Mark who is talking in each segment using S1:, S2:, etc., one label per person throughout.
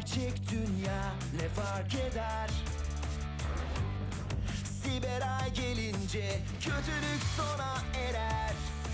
S1: gerçek dünya ne fark eder? Siberay gelince kötülük sona erer.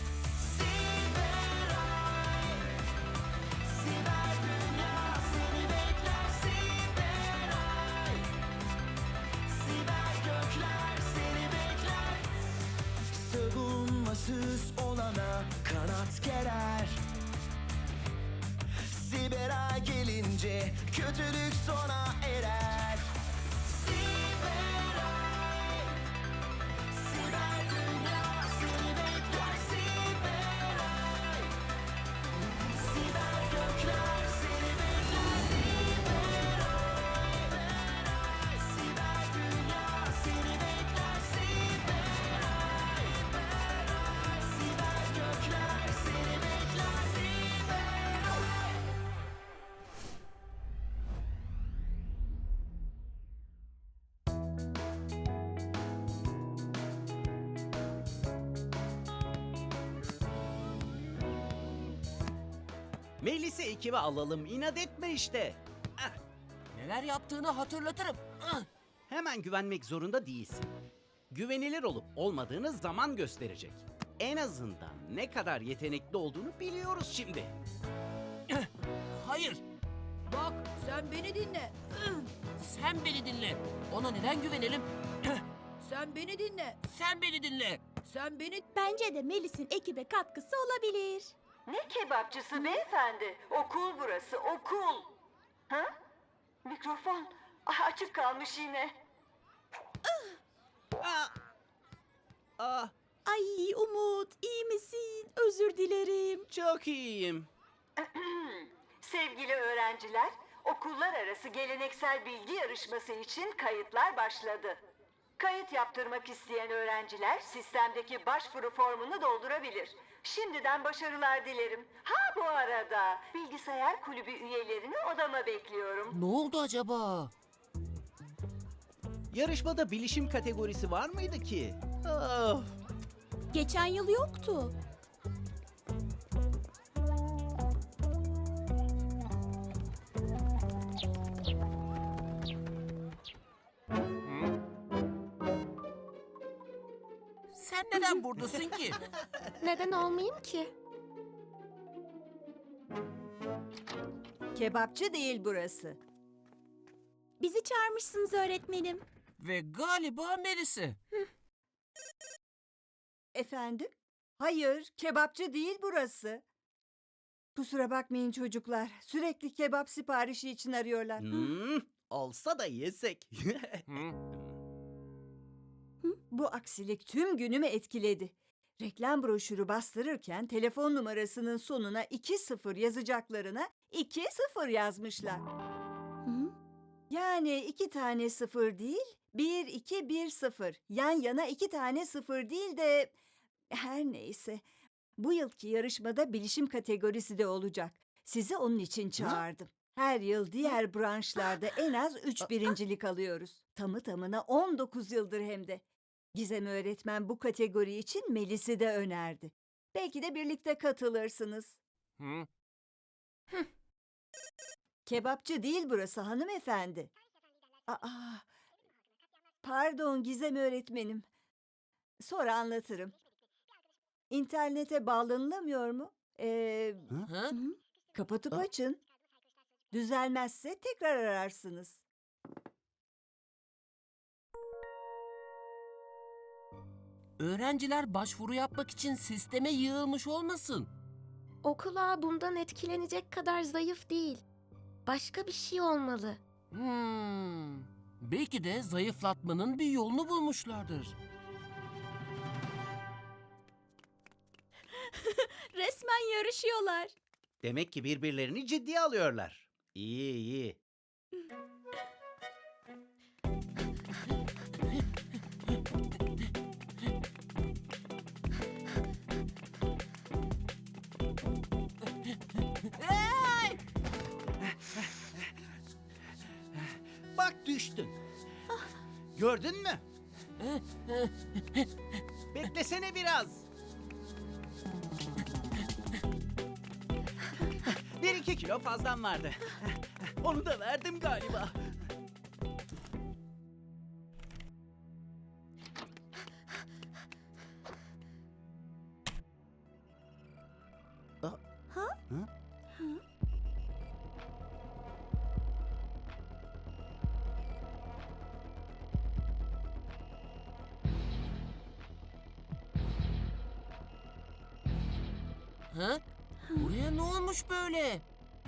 S1: Siberay, siber dünya seni bekler. Siberay, siber gökler seni bekler. Savunmasız olana kanat gerer. Siberay gelince kötülük sona erer. Siberay, siber dünya seni bekler. Siberay, siber gökler seni bekler. Siberay, siber dünya seni bekler. Siberay, siber gökler seni bekler. Siberay.
S2: Melis'i ekibe alalım, inat etme işte. Ah,
S3: Neler yaptığını hatırlatırım.
S2: hemen güvenmek zorunda değilsin. Güvenilir olup olmadığını zaman gösterecek. En azından ne kadar yetenekli olduğunu biliyoruz şimdi.
S3: Hayır,
S4: Bak sen beni dinle.
S3: sen beni dinle. Ona neden güvenelim?
S4: Sen beni dinle.
S3: Sen beni dinle.
S4: Sen beni...
S5: Bence de Melis'in ekibe katkısı olabilir.
S6: Ne kebapçısı beyefendi? Okul burası, okul. Ha? Mikrofon. Açık kalmış yine.
S2: Ah,
S5: Ay Umut, iyi misin? Özür dilerim.
S2: çok iyiyim.
S6: Sevgili öğrenciler, okullar arası geleneksel bilgi yarışması için kayıtlar başladı. Kayıt yaptırmak isteyen öğrenciler sistemdeki başvuru formunu doldurabilir. Şimdiden başarılar dilerim. Ha bu arada bilgisayar kulübü üyelerini odama bekliyorum.
S3: Ne oldu acaba?
S2: Yarışmada bilişim kategorisi var mıydı ki? Ah,
S5: Geçen yıl yoktu.
S3: Sen neden buradasın ki?
S5: Neden olmayayım ki?
S4: Kebapçı değil burası.
S5: Bizi çağırmışsınız öğretmenim.
S3: Ve galiba Melis'i.
S4: Efendim? Hayır, kebapçı değil burası. Kusura bakmayın çocuklar. Sürekli kebap siparişi için arıyorlar.
S2: olsa da yesek.
S4: Bu aksilik tüm günümü etkiledi. Reklam broşürü bastırırken telefon numarasının sonuna 20 yazacaklarına 20 yazmışlar.
S5: Hı?
S4: Yani 2 tane 0 değil, 1-2-1-0. Yan yana 2 tane 0 değil de... Her neyse. Bu yılki yarışmada bilişim kategorisi de olacak. Sizi onun için çağırdım. Her yıl diğer branşlarda en az 3 birincilik alıyoruz. Tamı tamına 19 yıldır hem de. Gizem öğretmen bu kategori için Melis'i de önerdi. Belki de birlikte katılırsınız.
S3: Hı?
S4: Kebapçı değil burası hanımefendi. Aa, pardon Gizem öğretmenim. Sonra anlatırım. İnternete bağlanılamıyor mu?
S3: Hı?
S4: Kapatıp açın. Düzelmezse tekrar ararsınız.
S3: Öğrenciler başvuru yapmak için sisteme yığılmış olmasın.
S7: Okul ağı bundan etkilenecek kadar zayıf değil. Başka bir şey olmalı.
S3: Belki de zayıflatmanın bir yolunu bulmuşlardır.
S5: Resmen yarışıyorlar.
S2: Demek ki birbirlerini ciddiye alıyorlar. İyi iyi. Bak düştün. Gördün mü? Beklesene biraz. 1-2 kilo fazlam vardı. Onu da verdim galiba.
S3: Ha? Buraya ne olmuş böyle?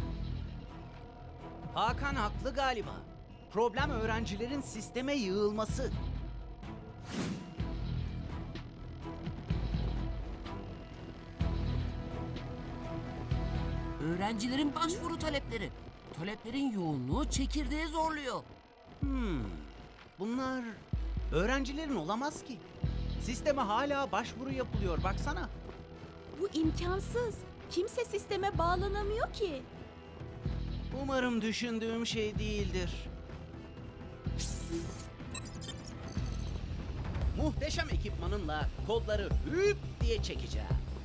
S2: Hakan haklı galiba. Problem öğrencilerin sisteme yığılması.
S3: Öğrencilerin başvuru talepleri. Taleplerin yoğunluğu çekirdeği zorluyor.
S2: Bunlar öğrencilerin olamaz ki. Sisteme hala başvuru yapılıyor baksana.
S5: Bu imkansız. Kimse sisteme bağlanamıyor ki.
S2: Umarım düşündüğüm şey değildir. Muhteşem ekipmanımla kodları hüp diye çekeceğim.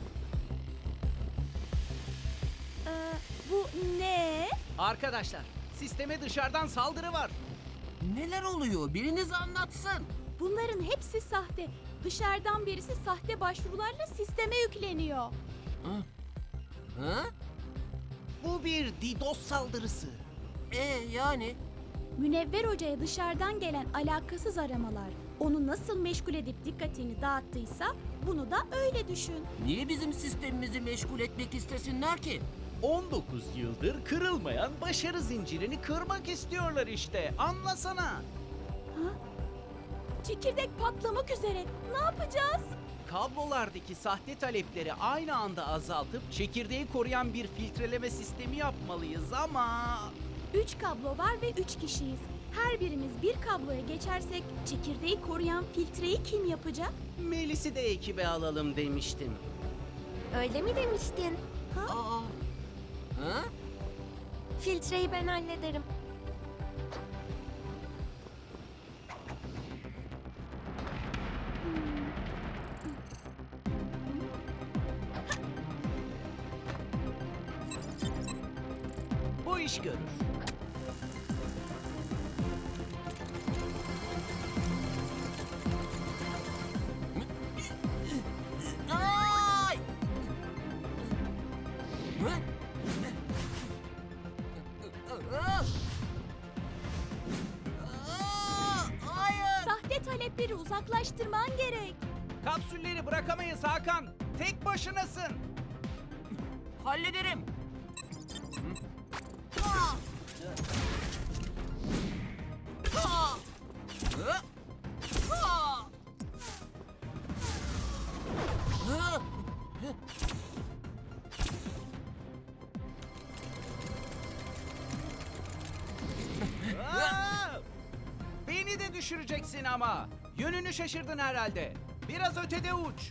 S5: Bu ne?
S2: Arkadaşlar, sisteme dışarıdan saldırı var.
S3: Neler oluyor? Biriniz anlatsın.
S5: Bunların hepsi sahte. Dışarıdan birisi sahte başvurularla sisteme yükleniyor.
S3: Ha?
S2: Bu bir DDoS saldırısı.
S3: Yani?
S5: Münevver Hoca'ya dışarıdan gelen alakasız aramalar onu nasıl meşgul edip dikkatini dağıttıysa bunu da öyle düşün.
S3: Niye bizim sistemimizi meşgul etmek istesinler ki?
S2: 19 yıldır kırılmayan başarı zincirini kırmak istiyorlar işte. Anlasana.
S5: Çekirdek patlamak üzere. Ne yapacağız?
S2: Kablolardaki sahte talepleri aynı anda azaltıp çekirdeği koruyan bir filtreleme sistemi yapmalıyız ama...
S5: 3 kablo var ve 3 kişiyiz. Her birimiz bir kabloya geçersek çekirdeği koruyan filtreyi kim yapacak?
S2: Melis'i de ekibe alalım demiştim.
S7: Öyle mi demiştin?
S3: Aa. Ha?
S7: Filtreyi ben hallederim.
S2: Bu iş görür.
S3: Ay! Hı? Hayır!
S5: Sahte talepleri uzaklaştırman gerek.
S2: Kapsülleri bırakamayız Hakan. Tek başınasın.
S3: Hallederim.
S2: Aa! Beni de düşüreceksin ama. Yönünü şaşırdın herhalde. Biraz ötede uç.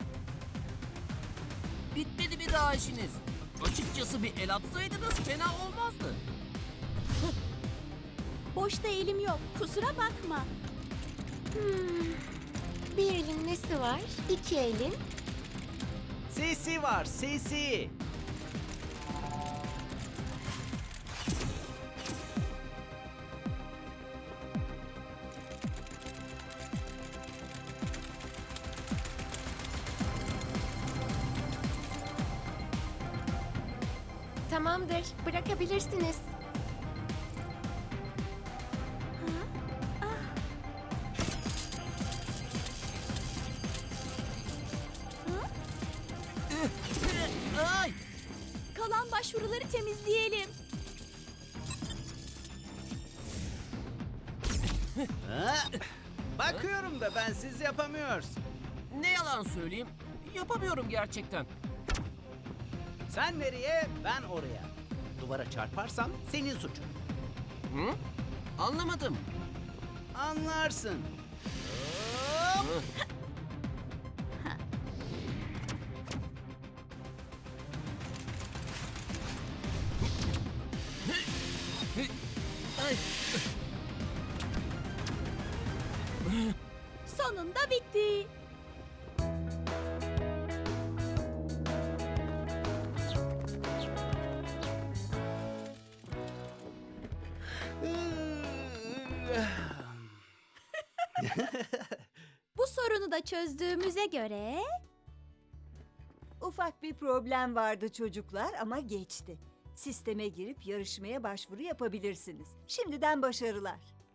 S3: Bitmedi mi daha işiniz? Açıkçası bir el atsaydınız fena olmazdı.
S5: Boşta elim yok. Kusura bakma.
S7: Bir elin nesi var? 2 elin.
S2: Sesi var, sesi.
S7: Tamamdır. Bırakabilirsiniz.
S3: Ay!
S5: Kalan başvuruları temizleyelim.
S2: Ha? Bakıyorum da bensiz yapamıyorsun.
S3: Ne yalan söyleyeyim, yapamıyorum gerçekten.
S2: Sen nereye, ben oraya. Duvara çarparsam senin suçun.
S3: Hı? Anlamadım.
S2: Anlarsın. Hop!
S3: Ay!
S5: Sonunda bitti. Bu sorunu da çözdüğümüze göre
S4: Ufak bir problem vardı çocuklar ama geçti. Sisteme girip yarışmaya başvuru yapabilirsiniz. Şimdiden başarılar.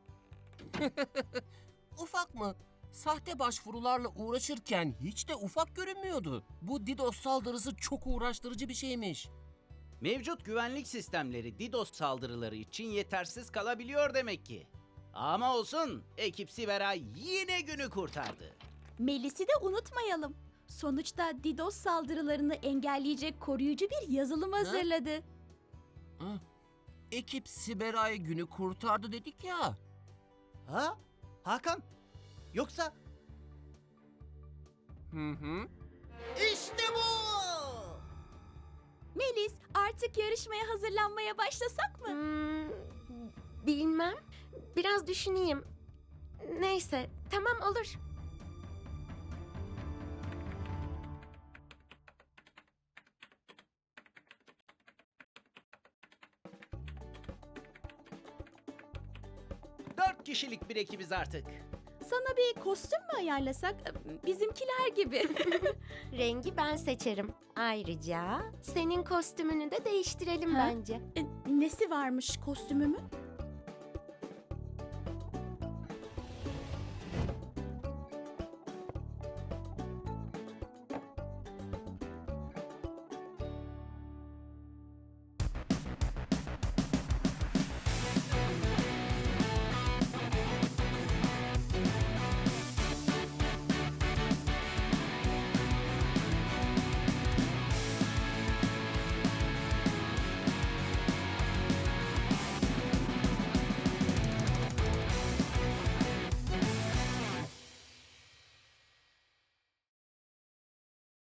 S3: Ufak mı? Sahte başvurularla uğraşırken hiç de ufak görünmüyordu. Bu DDoS saldırısı çok uğraştırıcı bir şeymiş.
S2: Mevcut güvenlik sistemleri DDoS saldırıları için yetersiz kalabiliyor demek ki. Ama olsun, ekip Siberay yine günü kurtardı.
S5: Melis'i de unutmayalım. Sonuçta DDoS saldırılarını engelleyecek koruyucu bir yazılım hazırladı.
S3: Hı? Ekip Siberay günü kurtardı dedik ya.
S2: Ha? Hakan? Yoksa
S3: Hı hı.
S2: işte bu!
S5: Melis, artık yarışmaya hazırlanmaya başlasak mı?
S7: Bilmem. Biraz düşüneyim. Neyse, tamam olur.
S2: Dört kişilik bir ekibiz artık.
S5: Sana bir kostüm mü ayarlasak? Bizimkiler gibi.
S7: Rengi ben seçerim. Ayrıca senin kostümünü de değiştirelim
S5: Ha?
S7: bence.
S5: Nesi varmış kostümümün?